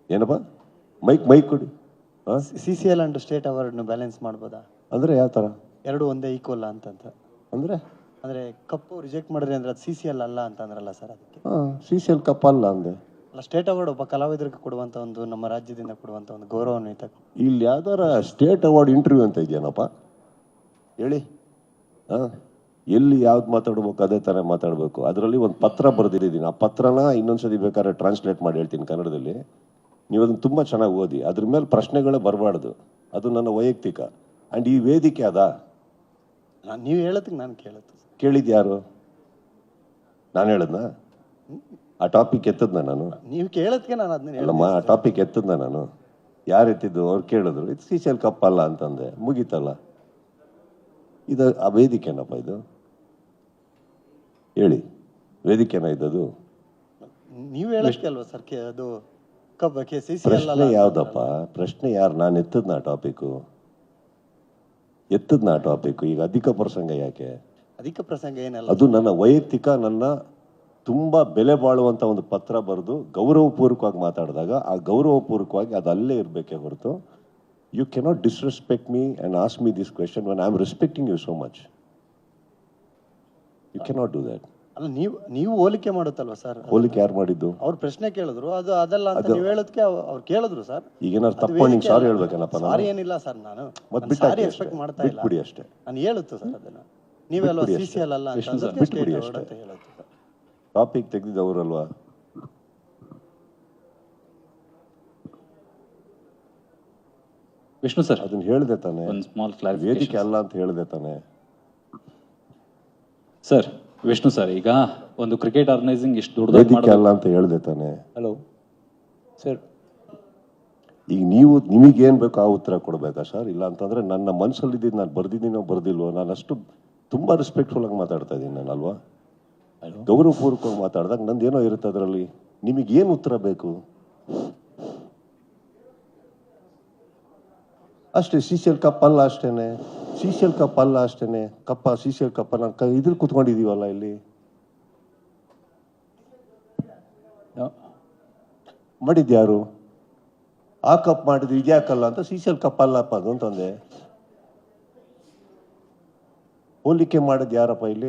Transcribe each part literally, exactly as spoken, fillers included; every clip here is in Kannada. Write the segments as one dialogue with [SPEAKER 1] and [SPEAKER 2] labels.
[SPEAKER 1] ಏನಪ್ಪ ಮೈಕ್ ಮೈಕ್ ಕೊಡಿ.
[SPEAKER 2] C C L and state ಅವಾರ್ಡ್ನ ಬ್ಯಾಲೆನ್ಸ್ ಮಾಡ್ಬೋದಾ
[SPEAKER 1] ಅಂದರೆ ಯಾವ ಥರ?
[SPEAKER 2] ಎರಡು ಒಂದೇ ಈಕ್ವಲ್ ಅಂತಂತ
[SPEAKER 1] ಅಂದರೆ
[SPEAKER 2] ಅಂದರೆ ಕಪ್ಪು ರಿಜೆಕ್ಟ್ ಮಾಡಿದ್ರೆ ಅಂದ್ರೆ ಅದು ಸಿ ಸಿ ಎಲ್ ಅಲ್ಲ ಅಂತ ಅಂದ್ರಲ್ಲ ಸರ್, ಅದಕ್ಕೆ.
[SPEAKER 1] ಹಾಂ, ಸಿ ಸಿ ಎಲ್ ಕಪ್ ಅಲ್ಲ ಅಂದೆ.
[SPEAKER 2] ಅಲ್ಲ, ಸ್ಟೇಟ್ ಅವಾರ್ಡ್ ಒಬ್ಬ ಕಲಾವಿದರಿಗೆ ಕೊಡುವಂಥ ಒಂದು, ನಮ್ಮ ರಾಜ್ಯದಿಂದ ಕೊಡುವಂಥ ಒಂದು ಗೌರವಾನ್ವಿತ.
[SPEAKER 1] ಇಲ್ಲಿ ಯಾವ್ದಾರ ಸ್ಟೇಟ್ ಅವಾರ್ಡ್ ಇಂಟರ್ವ್ಯೂ ಅಂತ ಇದೆಯೇನಪ್ಪ ಹೇಳಿ? ಹಾಂ, ಎಲ್ಲಿ ಯಾವ್ದು ಮಾತಾಡ್ಬೇಕು ಅದೇ ಥರ ಮಾತಾಡಬೇಕು. ಅದರಲ್ಲಿ ಒಂದು ಪತ್ರ ಬರೆದಿದ್ದೀನಿ. ಆ ಪತ್ರನ ಇನ್ನೊಂದ್ಸತಿ ಬೇಕಾದ್ರೆ ಟ್ರಾನ್ಸ್ಲೇಟ್ ಮಾಡಿ ಹೇಳ್ತೀನಿ ಕನ್ನಡದಲ್ಲಿ. ನೀವು ಅದನ್ನು ತುಂಬ ಚೆನ್ನಾಗಿ ಓದಿ. ಅದ್ರ ಮೇಲೆ ಪ್ರಶ್ನೆಗಳೇ ಬರಬಾರ್ದು. ಅದು ನನ್ನ ವೈಯಕ್ತಿಕ. ಆ್ಯಂಡ್ ಈ ವೇದಿಕೆ ಅದಾ?
[SPEAKER 2] ನಾನು ನೀವು ಹೇಳೋದಕ್ಕೆ ನಾನು ಕೇಳುತ್ತೆ
[SPEAKER 1] ಕೇಳಿದ್ದು ಯಾರು? ನಾನು ಹೇಳದ್ನಾ? ಆ ಟಾಪಿಕ್ ಎತ್ತದ್ನ ನಾನು?
[SPEAKER 2] ನೀವು ಕೇಳೋದಕ್ಕೆ ನಾನು ಅದನ್ನ
[SPEAKER 1] ಅಲ್ಲಮ್ಮ, ಆ ಟಾಪಿಕ್ ಎತ್ತದ್ನ ನಾನು? ಯಾರು ಎತ್ತಿದ್ದು? ಅವ್ರು ಕೇಳಿದ್ರು, ಇದು ಸಿ ಸಿ ಎಲ್ ಕಪ್ ಅಲ್ಲ ಅಂತಂದೆ, ಮುಗೀತಲ್ಲ. ಇದು ಆ ವೇದಿಕೆನಪ್ಪ ಇದು? ಹೇಳಿ, ವೇದಿಕೆನ ಇದ್ದದು?
[SPEAKER 2] ನೀವು ಹೇಳೋದಕ್ಕೆ ಅಲ್ವಾ ಸರ್ ಅದು ಕಬ್ಬ ಕೆ ಸಿ ಸಿ ಎಲ್
[SPEAKER 1] ಪ್ರಶ್ನೆ ಯಾವ್ದಪ್ಪ? ಪ್ರಶ್ನೆ ಯಾರು? ನಾನು ಎತ್ತದ್ನ ಆ ಟಾಪಿಕ್ಕು? ಎತ್ತದ್ನ ಆ ಟಾಪಿಕ್ಕು? ಈಗ ಅಧಿಕ ಪ್ರಸಂಗ ಯಾಕೆ?
[SPEAKER 2] ಅಧಿಕ ಪ್ರಸಂಗ ಏನಲ್ಲ,
[SPEAKER 1] ಅದು ನನ್ನ ವೈಯಕ್ತಿಕ, ನನ್ನ ತುಂಬ ಬೆಲೆ ಬಾಳುವಂಥ ಒಂದು ಪತ್ರ ಬರೆದು ಗೌರವಪೂರ್ವಕವಾಗಿ ಮಾತಾಡಿದಾಗ ಆ ಗೌರವಪೂರ್ವಕವಾಗಿ ಅದು ಅಲ್ಲೇ ಇರಬೇಕೇ ಹೊರತು you cannot disrespect me and ask me this question when I am respecting you so much. You cannot do that.
[SPEAKER 2] ಅಲ್ಲ, ನೀವು ನೀವು ಹೋಲಿಕೆ ಮಾಡುತ್ತಲ್ವಾ ಸರ್?
[SPEAKER 1] ಹೋಲಿಕೆ ಯಾರು ಮಾಡಿದ್ದು?
[SPEAKER 2] ಅವ್ರು ಪ್ರಶ್ನೆ ಕೇಳಿದ್ರು, ಅದು ಅದಲ್ಲ ಅಂತ ನೀವು ಹೇಳೋದಕ್ಕೆ ಅವ್ರು ಕೇಳಿದ್ರು ಸರ್.
[SPEAKER 1] ಈಗ ಏನಾದ್ರು ತಪ್ಪು ನಿಂಗೆ ಸಾರಿ ಹೇಳ್ಬೇಕೇನಪ್ಪ?
[SPEAKER 2] ಸಾರಿ ಏನಿಲ್ಲ ಸರ್, ನಾನು
[SPEAKER 1] ಮತ್ತೆ
[SPEAKER 2] ಸಾರಿ ಎಕ್ಸ್ಪೆಕ್ಟ್ ಮಾಡ್ತಾ ಇಲ್ಲ.
[SPEAKER 1] ಬಿಟ್ಬಿಡಿ ಅಷ್ಟೇ.
[SPEAKER 2] ನಾನು ಹೇಳುತ್ತೆ ಸರ್ ಅದನ್ನ. ನೀವೆಲ್ಲ ಸಿ ಸಿ ಎಲ್ ಅಲ್ಲ ಅಂತ
[SPEAKER 1] ಬಿಟ್ಬಿಡಿ ಅಷ್ಟೇ.
[SPEAKER 2] ಹೇಳುತ್ತೆ ಸರ್.
[SPEAKER 1] ಟಾಪಿಕ್ ತೆಗೆದಿದ್ದವರಲ್ವಾ?
[SPEAKER 3] ವಿಷ್ಣು ಸರ್,
[SPEAKER 1] ಅದನ್ನ ಹೇಳಿದೆ ತಾನೆ?
[SPEAKER 3] ಒಂದು ಸ್ಮಾಲ್ ಕ್ಲಾರಿಫಿಕೇಶನ್.
[SPEAKER 1] ವೇದಿಕೆ ಅಲ್ಲ ಅಂತ ಹೇಳಿದೆ ತಾನೆ
[SPEAKER 3] ಸರ್? ವಿಷ್ಣು ಸರ್, ಈಗ ಒಂದು ಕ್ರಿಕೆಟ್ ಆರ್ಗನೈಸಿಂಗ್ ಇಷ್ಟು ದೊಡ್ಡದಾಗಿ
[SPEAKER 1] ವೇದಿಕೆ
[SPEAKER 3] ಮಾಡೋದು
[SPEAKER 1] ಅಲ್ಲ ಅಂತ ಹೇಳಿದೆ ತಾನೆ?
[SPEAKER 3] ಹಲೋ ಸರ್,
[SPEAKER 1] ಈಗ ನೀವು ನಿಮಗೇನು ಬೇಕೋ ಆ ಉತ್ತರ ಕೊಡಬೇಕಾ ಸರ್? ಇಲ್ಲ ಅಂತಂದ್ರೆ ನನ್ನ ಮನಸ್ಸಲ್ಲಿದ್ದು ನಾನು ಬರ್ದಿದ್ದೀನೋ ಬರ್ದಿಲ್ವೋ, ನಾನು ಅಷ್ಟು ತುಂಬ ರೆಸ್ಪೆಕ್ಟ್ಫುಲ್ ಆಗಿ ಮಾತಾಡ್ತಾ ಇದ್ದೀನಿ ನಾನು, ಅಲ್ವಾ? ಗೌರವಪೂರ್ವಕವಾಗಿ ಮಾತಾಡಿದಾಗ ನಂದೇನೋ ಇರುತ್ತೆ ಅದರಲ್ಲಿ. ನಿಮಗೇನು ಉತ್ತರ ಬೇಕು ಅಷ್ಟೇ. ಸಿ ಸಿ ಎಲ್ ಕಪ್ ಅಲ್ಲ ಅಷ್ಟೇನೆ. ಸಿ ಸಿ ಎಲ್ ಕಪ್ ಅಲ್ಲ ಅಷ್ಟೇನೆ. ಕಪ್ಪ ಸಿ ಸಿ ಎಲ್ ಕಪ್ಪ ನಾನು ಇದ್ರ ಕುತ್ಕೊಂಡಿದೀವಲ್ಲ ಇಲ್ಲಿ. ಮಾಡಿದ್ಯಾರು? ಆ ಕಪ್ ಮಾಡಿದ್ರು ಇದ್ಯಾಕಲ್ಲ ಅಂತ ಸಿ ಸಿ ಎಲ್ ಕಪ್ ಅಲ್ಲಪ್ಪ ಅದು ಅಂತಂದೆ. ಹೋಲಿಕೆ ಮಾಡೋದು ಯಾರಪ್ಪ ಇಲ್ಲಿ?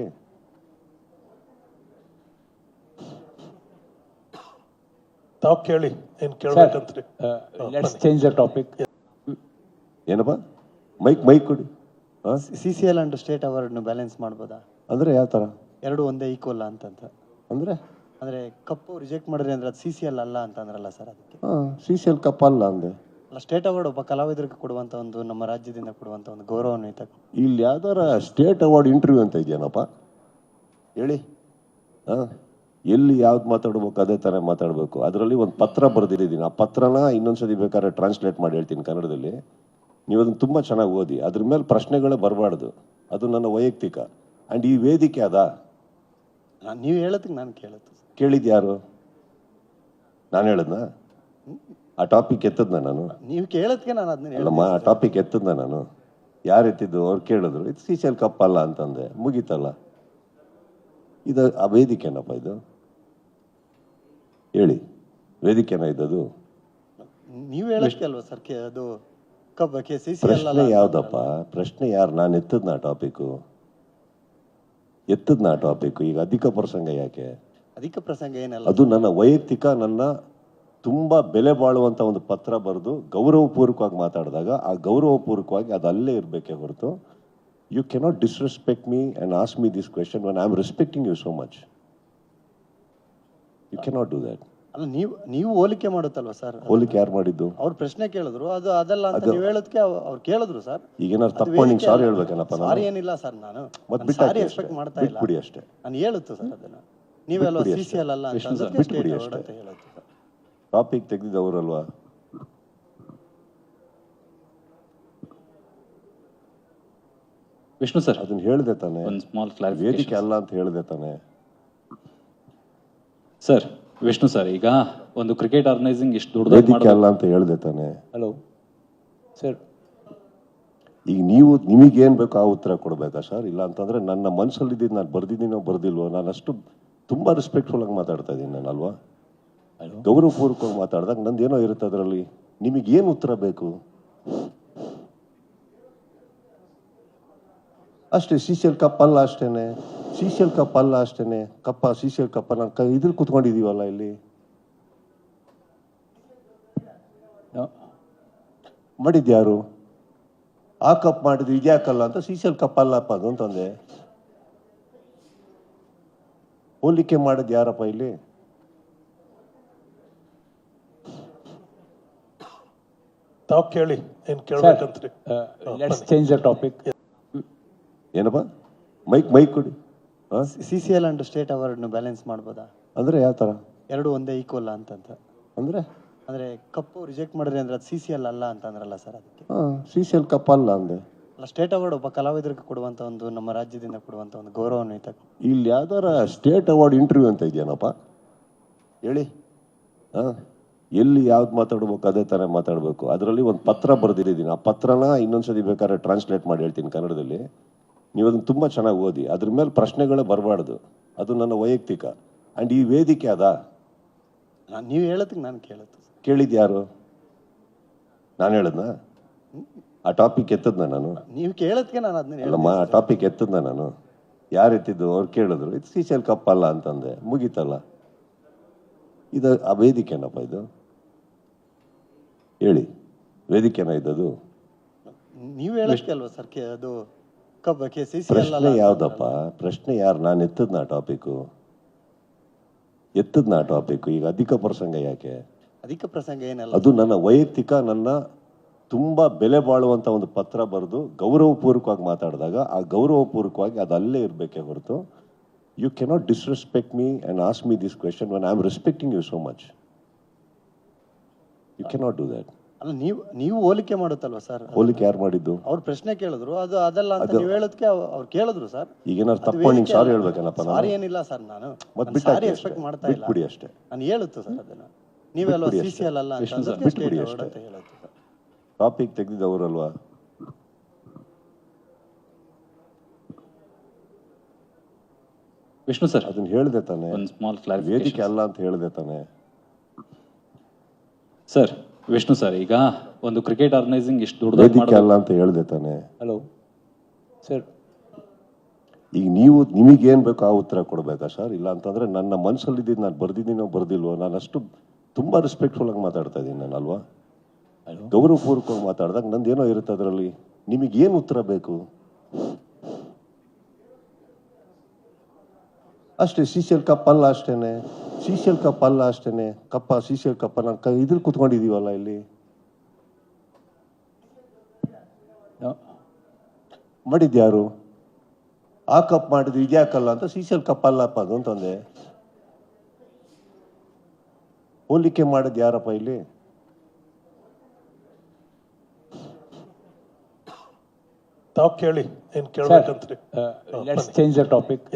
[SPEAKER 4] ತಾವು ಕೇಳಿ ಏನ್ ಕೇಳ್ಬೇಕಂತ್ರಿ?
[SPEAKER 5] Let's change the topic.
[SPEAKER 1] ಏನಪ್ಪ ಮೈಕ್ ಮೈಕ್ ಕೊಡಿ.
[SPEAKER 2] C C L and state ಅವಾರ್ಡ್ನ ಬ್ಯಾಲೆನ್ಸ್ ಮಾಡ್ಬೋದಾ?
[SPEAKER 1] ಅಂದ್ರೆ ಯಾವ ಥರ?
[SPEAKER 2] ಎರಡು ಒಂದೇ ಈಕ್ವಲ್ ಅಂತಂತ
[SPEAKER 1] ಅಂದ್ರೆ
[SPEAKER 2] ಅಂದ್ರೆ ಕಪ್ಪು ರಿಜೆಕ್ಟ್ ಮಾಡಿದ್ರೆ ಅಂದ್ರೆ ಅದು ಸಿ ಸಿ ಎಲ್ ಅಲ್ಲ ಅಂತ ಅಂದ್ರಲ್ಲ ಸರ್, ಅದಕ್ಕೆ.
[SPEAKER 1] ಹಾಂ, ಸಿ ಸಿ ಎಲ್ ಕಪ್ ಅಲ್ಲ ಅಂದೆ.
[SPEAKER 2] ಅಲ್ಲ, ಸ್ಟೇಟ್ ಅವಾರ್ಡ್ ಒಬ್ಬ ಕಲಾವಿದರಿಗೆ ಕೊಡುವಂಥ ಒಂದು, ನಮ್ಮ ರಾಜ್ಯದಿಂದ ಕೊಡುವಂಥ ಒಂದು ಗೌರವಾನ್ವಿತ.
[SPEAKER 1] ಇಲ್ಲಿ ಯಾವ್ದಾರ ಸ್ಟೇಟ್ ಅವಾರ್ಡ್ ಇಂಟರ್ವ್ಯೂ ಅಂತ ಇದೆಯೇನಪ್ಪ ಹೇಳಿ? ಹಾಂ, ಎಲ್ಲಿ ಯಾವ್ದು ಮಾತಾಡ್ಬೇಕು ಅದೇ ಥರ ಮಾತಾಡಬೇಕು. ಅದರಲ್ಲಿ ಒಂದು ಪತ್ರ ಬರೆದಿದ್ದೀನಿ. ಆ ಪತ್ರನ ಇನ್ನೊಂದ್ಸತಿ ಬೇಕಾದ್ರೆ ಟ್ರಾನ್ಸ್ಲೇಟ್ ಮಾಡಿ ಹೇಳ್ತೀನಿ ಕನ್ನಡದಲ್ಲಿ. ನೀವು ಅದನ್ನು ತುಂಬ ಚೆನ್ನಾಗಿ ಓದಿ. ಅದ್ರ ಮೇಲೆ ಪ್ರಶ್ನೆಗಳೇ ಬರಬಾರ್ದು. ಅದು ನನ್ನ ವೈಯಕ್ತಿಕ. ಆ್ಯಂಡ್ ಈ ವೇದಿಕೆ ಅದಾ?
[SPEAKER 2] ನಾನು ನೀವು ಹೇಳೋದಕ್ಕೆ ನಾನು ಕೇಳುತ್ತೆ
[SPEAKER 1] ಕೇಳಿದ್ದು ಯಾರು? ನಾನು ಹೇಳದ್ನಾ? ಆ ಟಾಪಿಕ್ ಎತ್ತದ್ನ ನಾನು?
[SPEAKER 2] ನೀವು ಕೇಳೋದಕ್ಕೆ ನಾನು ಅದನ್ನ
[SPEAKER 1] ಅಲ್ಲಮ್ಮ, ಆ ಟಾಪಿಕ್ ಎತ್ತದ್ನ ನಾನು? ಯಾರು ಎತ್ತಿದ್ದು? ಅವ್ರು ಕೇಳಿದ್ರು, ಇದು ಸಿ ಸಿ ಎಲ್ ಕಪ್ ಅಲ್ಲ ಅಂತಂದೆ, ಮುಗೀತಲ್ಲ. ಇದು ಆ ವೇದಿಕೆನಪ್ಪ ಇದು? ಹೇಳಿ, ವೇದಿಕೆನ ಇದ್ದದು?
[SPEAKER 2] ನೀವು ಹೇಳೋದಕ್ಕೆ ಅಲ್ವಾ ಸರ್ ಅದು ಕಬ್ಬ ಕೆ ಸಿ ಸಿ ಎಲ್
[SPEAKER 1] ಪ್ರಶ್ನೆ ಯಾವ್ದಪ್ಪ? ಪ್ರಶ್ನೆ ಯಾರು? ನಾನು ಎತ್ತದ್ನ ಆ ಟಾಪಿಕ್ಕು? ಎತ್ತದ್ನ ಆ ಟಾಪಿಕ್ಕು? ಈಗ ಅಧಿಕ ಪ್ರಸಂಗ ಯಾಕೆ?
[SPEAKER 2] ಅಧಿಕ ಪ್ರಸಂಗ ಏನಲ್ಲ,
[SPEAKER 1] ಅದು ನನ್ನ ವೈಯಕ್ತಿಕ, ನನ್ನ ತುಂಬ ಬೆಲೆ ಬಾಳುವಂಥ ಒಂದು ಪತ್ರ ಬರೆದು ಗೌರವಪೂರ್ವಕವಾಗಿ ಮಾತಾಡಿದಾಗ ಆ ಗೌರವಪೂರ್ವಕವಾಗಿ ಅದು ಅಲ್ಲೇ ಇರಬೇಕೇ ಹೊರತು you cannot disrespect me and ask me this question when I am respecting you so much. You cannot do that.
[SPEAKER 2] ಅಲ್ಲ, ನೀವು ನೀವು ಹೋಲಿಕೆ ಮಾಡುತ್ತಲ್ವಾ ಸರ್?
[SPEAKER 1] ಹೋಲಿಕೆ ಯಾರು ಮಾಡಿದ್ದು?
[SPEAKER 2] ಅವ್ರು ಪ್ರಶ್ನೆ ಕೇಳಿದ್ರು, ಅದು ಅದಲ್ಲ ಅಂತ ನೀವು ಹೇಳೋದಕ್ಕೆ ಅವ್ರು ಕೇಳಿದ್ರು ಸರ್.
[SPEAKER 1] ಈಗ ಏನಾದ್ರು ತಪ್ಪು ನಿಂಗೆ ಸಾರಿ ಹೇಳ್ಬೇಕೇನಪ್ಪ?
[SPEAKER 2] ಸಾರಿ ಏನಿಲ್ಲ ಸರ್, ನಾನು
[SPEAKER 1] ಮತ್ತೆ
[SPEAKER 2] ಸಾರಿ ಎಕ್ಸ್ಪೆಕ್ಟ್ ಮಾಡ್ತಾ ಇಲ್ಲ.
[SPEAKER 1] ಬಿಟ್ಬಿಡಿ ಅಷ್ಟೇ.
[SPEAKER 2] ನಾನು ಹೇಳುತ್ತೆ ಸರ್ ಅದನ್ನ. ನೀವೆಲ್ಲ ಸಿ ಸಿ ಎಲ್ ಅಲ್ಲ ಅಂತ
[SPEAKER 1] ಬಿಟ್ಬಿಡಿ ಅಷ್ಟೇ.
[SPEAKER 2] ಹೇಳುತ್ತೆ ಸರ್.
[SPEAKER 1] ಟಾಪಿಕ್ ತೆಗೆದಿದ್ದವರಲ್ವಾ?
[SPEAKER 3] ವಿಷ್ಣು ಸರ್,
[SPEAKER 1] ಅದನ್ನ ಹೇಳಿದೆ ತಾನೆ?
[SPEAKER 3] ಒಂದು ಸ್ಮಾಲ್
[SPEAKER 1] ವೇದಿಕೆ
[SPEAKER 3] ಕ್ಲಾರಿಫಿಕೇಶನ್.
[SPEAKER 1] ಅಲ್ಲ ಅಂತ ಹೇಳಿದೆ ತಾನೆ?
[SPEAKER 3] ಸರ್, ವಿಷ್ಣು ಸರ್, ಈಗ ಒಂದು ಕ್ರಿಕೆಟ್ ಆರ್ಗನೈಸಿಂಗ್ ಇಷ್ಟು ದೊಡ್ಡದಾಗಿ
[SPEAKER 1] ವೇದಿಕೆ
[SPEAKER 3] ಮಾಡೋದು
[SPEAKER 1] ಅಲ್ಲ ಅಂತ ಹೇಳಿದೆ ತಾನೆ?
[SPEAKER 5] ಹಲೋ ಸರ್,
[SPEAKER 1] ಈಗ ನೀವು ನಿಮಗೇನು ಬೇಕೋ ಆ ಉತ್ತರ ಕೊಡಬೇಕಾ ಸರ್? ಇಲ್ಲ ಅಂತಂದ್ರೆ ನನ್ನ ಮನಸ್ಸಲ್ಲಿದ್ದು ನಾನು ಬರ್ದಿದ್ದೀನೋ ಬರ್ದಿಲ್ವೋ, ನಾನು ಅಷ್ಟು ತುಂಬ ರೆಸ್ಪೆಕ್ಟ್ಫುಲ್ ಆಗಿ ಮಾತಾಡ್ತಾ ಇದ್ದೀನಿ ನಾನು, ಅಲ್ವಾ? ಗೌರವಪೂರ್ವಕವಾಗಿ ಮಾತಾಡಿದಾಗ ನಂದೇನೋ ಇರುತ್ತೆ ಅದರಲ್ಲಿ. ನಿಮಗೆ ಏನು ಉತ್ತರ ಬೇಕು ಅಷ್ಟೇ. ಸೀಸೆಲ್ ಕಪ್ ಅಲ್ಲ ಅಷ್ಟೇನೆ, ಸೀಸೆಲ್ ಕಪ್ ಅಲ್ಲ ಅಷ್ಟೇನೆ, ಕಪ್ಪ ಸೀಸೆಲ್ ಕಪ್ಪ ನಾನು ಕ ಇದ್ರಲ್ಲಿ ಕುತ್ಕೊಂಡಿದೀವಲ್ಲ ಇಲ್ಲಿ.
[SPEAKER 5] No.
[SPEAKER 1] ಮಾಡಿದ್ಯಾರು? ಆ ಕಪ್ ಮಾಡಿದ್ರು ಇದ್ಯಾಕಲ್ಲ ಅಂತ ಸೀಸೆಲ್ ಕಪ್ ಅಲ್ಲಪ್ಪ ಅದು ಅಂತಂದೆ. ಹೋಲಿಕೆ ಮಾಡಿದ್ ಯಾರಪ್ಪ ಇಲ್ಲಿ?
[SPEAKER 4] ತಾವ್ ಕೇಳಿ ಏನ್
[SPEAKER 5] Sir,
[SPEAKER 4] ಕೇಳ್ಬೇಕಂತ್ರಿ.
[SPEAKER 5] uh, let's change the topic.
[SPEAKER 1] ಏನಪ್ಪ ಮೈಕ್ ಮೈಕ್ ಕೊಡಿ. ಹಾ
[SPEAKER 2] C C L and state ಅವಾರ್ಡ್ನ ಬ್ಯಾಲೆನ್ಸ್ ಮಾಡ್ಬೋದಾ?
[SPEAKER 1] ಅಂದ್ರೆ ಯಾವ ತರ?
[SPEAKER 2] ಎರಡು ಒಂದೇ ಈಕ್ವಲ್ ಅಂತಂತ.
[SPEAKER 1] ಅಂದ್ರೆ
[SPEAKER 2] ಅಂದ್ರೆ ಕಪ್ಪು ರಿಜೆಕ್ಟ್ ಮಾಡಿದ್ರೆ ಅಂದ್ರೆ ಅದು ಸಿ ಸಿ ಎಲ್ ಅಲ್ಲ ಅಂತಂದ್ರಲ್ಲ ಸರ್, ಅದಕ್ಕೆ.
[SPEAKER 1] ಹಾ ಸೀಸೆಲ್ ಕಪ್ ಅಲ್ಲ ಅಂದೆ.
[SPEAKER 2] ಅಲ್ಲ, ಸ್ಟೇಟ್ ಅವಾರ್ಡ್ ಒಬ್ಬ ಕಲಾವಿದರಿಗೆ ಕೊಡುವಂತ ಒಂದು, ನಮ್ಮ ರಾಜ್ಯದಿಂದ ಕೊಡುವಂತ ಒಂದು ಗೌರವಾನ್ವಿತ.
[SPEAKER 1] ಇಲ್ಲಿ ಯಾವ್ದಾರ ಸ್ಟೇಟ್ ಅವಾರ್ಡ್ ಇಂಟರ್ವ್ಯೂ ಅಂತ ಇದೆಯೇನಪ್ಪ ಹೇಳಿ. ಹಾ ಎಲ್ಲಿ ಯಾವ್ದು ಮಾತಾಡ್ಬೇಕು ಅದೇ ತರ ಮಾತಾಡ್ಬೇಕು. ಅದರಲ್ಲಿ ಒಂದು ಪತ್ರ ಬರೆದಿದ್ದೀನಿ. ಆ ಪತ್ರನ ಇನ್ನೊಂದ್ಸತಿ ಬೇಕಾದ್ರೆ ಟ್ರಾನ್ಸ್ಲೇಟ್ ಮಾಡಿ ಹೇಳ್ತೀನಿ ಕನ್ನಡದಲ್ಲಿ. ನೀವು ಅದನ್ನ ತುಂಬಾ ಚೆನ್ನಾಗಿ ಓದಿ. ಅದ್ರ ಮೇಲೆ ಪ್ರಶ್ನೆಗಳೇ ಬರಬಾರ್ದು. ಅದು ನನ್ನ ವೈಯಕ್ತಿಕ. ಅಂಡ್ ಈ ವೇದಿಕೆ ಅದ
[SPEAKER 2] ನಾನು ನೀವು ಹೇಳೋದಕ್ಕೆ ನಾನು ಕೇಳುತ್ತೆ.
[SPEAKER 1] ಕೇಳಿದ್ ಯಾರು? ನಾನು ಹೇಳದ್ನ? ಆ ಟಾಪಿಕ್ ಎತ್ತದ್ನ ನಾನು?
[SPEAKER 2] ನೀವು ಕೇಳೋದಕ್ಕೆ ನಾನು ಅದನ್ನ
[SPEAKER 1] ಅಲ್ಲಮ್ಮ, ಆ ಟಾಪಿಕ್ ಎತ್ತದ್ನ ನಾನು? ಯಾರು ಎತ್ತಿದ್ದು? ಅವ್ರು ಕೇಳಿದ್ರು ಇದು ಸೀಸೆಲ್ ಕಪ್ ಅಲ್ಲ ಅಂತಂದೆ, ಮುಗೀತಲ್ಲ. ಇದು ಆ ವೇದಿಕೆನಪ್ಪ ಇದು? ಹೇಳಿ, ವೇದಿಕೆನ ಇದ್ದದು?
[SPEAKER 2] ನೀವು ಹೇಳೋದಕ್ಕೆ ಅಲ್ವಾ ಸರ್ ಅದು ಕಬ್ಬ ಕೆ ಸಿ ಸಿ ಎಲ್
[SPEAKER 1] ಪ್ರಶ್ನೆ
[SPEAKER 2] ಅಲ್ಲ
[SPEAKER 1] ಯಾವ್ದಪ್ಪ? ಪ್ರಶ್ನೆ ಯಾರು? ನಾನು ಎತ್ತದ್ನ ಟಾಪಿಕ್? ಎತ್ತದ್ನ ಟಾಪಿಕ್? ಈಗ ಅಧಿಕ ಪ್ರಸಂಗ ಯಾಕೆ?
[SPEAKER 2] ಅಧಿಕ ಪ್ರಸಂಗ ಏನಲ್ಲ.
[SPEAKER 1] ಅದು ನನ್ನ ವೈಯಕ್ತಿಕ, ನನ್ನ ತುಂಬಾ ಬೆಲೆ ಬಾಳುವಂತ ಒಂದು ಪತ್ರ ಬರೆದು ಗೌರವಪೂರ್ವಕವಾಗಿ ಮಾತಾಡಿದಾಗ ಆ ಗೌರವಪೂರ್ವಕವಾಗಿ ಅದು ಅಲ್ಲೇ ಇರಬೇಕೇ ಹೊರತು you cannot disrespect me and ask me this question when I am respecting you so much. You cannot do that.
[SPEAKER 2] ಅಲ್ಲ, ನೀವು ನೀವು ಹೋಲಿಕೆ ಮಾಡುತ್ತಲ್ವಾ ಸರ್?
[SPEAKER 1] ಹೋಲಿಕೆ ಯಾರು ಮಾಡಿದ್ದು?
[SPEAKER 2] ಅವ್ರು ಪ್ರಶ್ನೆ ಕೇಳಿದ್ರು, ಅದು ಅದಲ್ಲ ಅಂತ ನೀವು ಹೇಳೋದಕ್ಕೆ ಅವ್ರು ಕೇಳಿದ್ರು ಸರ್.
[SPEAKER 1] ಈಗೇನಾದ್ರು ತಪ್ಕೊಂಡು ನಿಂಗೆ ಸಾರಿ ಹೇಳ್ಬೇಕೇನಪ್ಪ ನಾನು?
[SPEAKER 2] ಸಾರಿ ಏನಿಲ್ಲ ಸರ್, ನಾನು
[SPEAKER 1] ಮತ್
[SPEAKER 2] ನಾನು ಸಾರಿ ಎಕ್ಸ್ಪೆಕ್ಟ್ ಮಾಡ್ತಾ ಇಲ್ಲ.
[SPEAKER 1] ಬಿಟ್ಬಿಡಿ ಅಷ್ಟೇ.
[SPEAKER 2] ನಾನು ಹೇಳುತ್ತೆ ಸರ್ ಅದನ್ನ. ನೀವೆಲ್ಲ
[SPEAKER 1] ಬಿಟ್ಬಿಡಿ
[SPEAKER 2] ಸಿ ಸಿ ಎಲ್ ಅಲ್ಲ ಅಂತ
[SPEAKER 1] ವಿಷ್ಣು ಸರ್,
[SPEAKER 2] ಅಂದಕ್ಕೆ
[SPEAKER 1] ಬಿಟ್ಬಿಡಿ
[SPEAKER 2] state
[SPEAKER 1] ಅಷ್ಟೇ.
[SPEAKER 2] award ಅಂತ ಹೇಳುತ್ತೆ ಸರ್.
[SPEAKER 1] ಟಾಪಿಕ್ ತೆಗೆದಿದ್ದವರಲ್ವಾ?
[SPEAKER 3] ವಿಷ್ಣು ಸರ್,
[SPEAKER 1] ಅದನ್ನ ಹೇಳ್ದೆ ತಾನೆ?
[SPEAKER 3] ಒಂದು ಸ್ಮಾಲ್
[SPEAKER 1] ವೇದಿಕೆ
[SPEAKER 3] ಕ್ಲಾರಿಫಿಕೇಶನ್
[SPEAKER 1] ಅಲ್ಲ ಅಂತ ಹೇಳ್ದೆ ತಾನೆ?
[SPEAKER 3] ಸರ್. ವಿಷ್ಣು ಸರ್, ಈಗ ಒಂದು ಕ್ರಿಕೆಟ್ ಆರ್ಗನೈಸಿಂಗ್ ಇಷ್ಟು ದೊಡ್ಡದಾಗಿ
[SPEAKER 1] ವೇದಿಕೆ
[SPEAKER 3] ಮಾಡೋದು
[SPEAKER 1] ಅಲ್ಲ ಅಂತ ಹೇಳ್ದೆ ತಾನೆ?
[SPEAKER 5] Hello. Sir,
[SPEAKER 1] ಈಗ ನೀವು ನಿಮಗೇನ್ ಬೇಕೋ ಆ ಉತ್ತರ ಕೊಡ್ಬೇಕಾ ಸರ್? ಇಲ್ಲ ಅಂತಂದ್ರೆ ನನ್ನ ಮನಸ್ಸಲ್ಲಿ ಇದ್ದಿದ್ದು ನಾನು ಬರ್ದಿದ್ದೀನೋ ಬರ್ದಿಲ್ವೋ, ನಾನು ಅಷ್ಟು ತುಂಬಾ ರೆಸ್ಪೆಕ್ಟ್ಫುಲ್ ಆಗಿ ಮಾತಾಡ್ತಾ ಇದ್ದೀನಿ ನಾನು, ಅಲ್ವಾ? ಗೌರವಪೂರ್ವಕವಾಗಿ ಮಾತಾಡಿದಾಗ ನಂದೇನೋ ಇರುತ್ತೆ ಅದರಲ್ಲಿ. ನಿಮಗೇನು ಉತ್ತರ ಬೇಕು ಅಷ್ಟೇ. ಸೀಸೆಲ್ ಕಪ್ ಅಲ್ಲ ಅಷ್ಟೇನೆ, ಸೀಸೆಲ್ ಕಪ್ ಅಲ್ಲ ಅಷ್ಟೇನೆ, ಕಪ್ಪ ಸೀಸೆಲ್ ಕಪ್ಪ ನಾನು ಕ ಇದ್ರಲ್ಲಿ ಕುತ್ಕೊಂಡಿದೀವಲ್ಲ ಇಲ್ಲಿ.
[SPEAKER 5] no.
[SPEAKER 1] ಮಾಡಿದ್ಯಾರು? ಆ ಕಪ್ ಮಾಡಿದ್ರು ಇದ್ಯಾಕಲ್ಲ ಅಂತ ಸೀಸೆಲ್ ಕಪ್ ಅಲ್ಲಪ್ಪ ಅದು ಅಂತಂದೆ. ಹೋಲಿಕೆ ಮಾಡಿದ್ ಯಾರಪ್ಪ ಇಲ್ಲಿ?
[SPEAKER 4] ತಾವ್ ಕೇಳಿ ಏನ್
[SPEAKER 5] Sir,
[SPEAKER 4] ಕೇಳ್ಬೇಕಂತ್ರಿ.
[SPEAKER 5] uh, let's change the topic.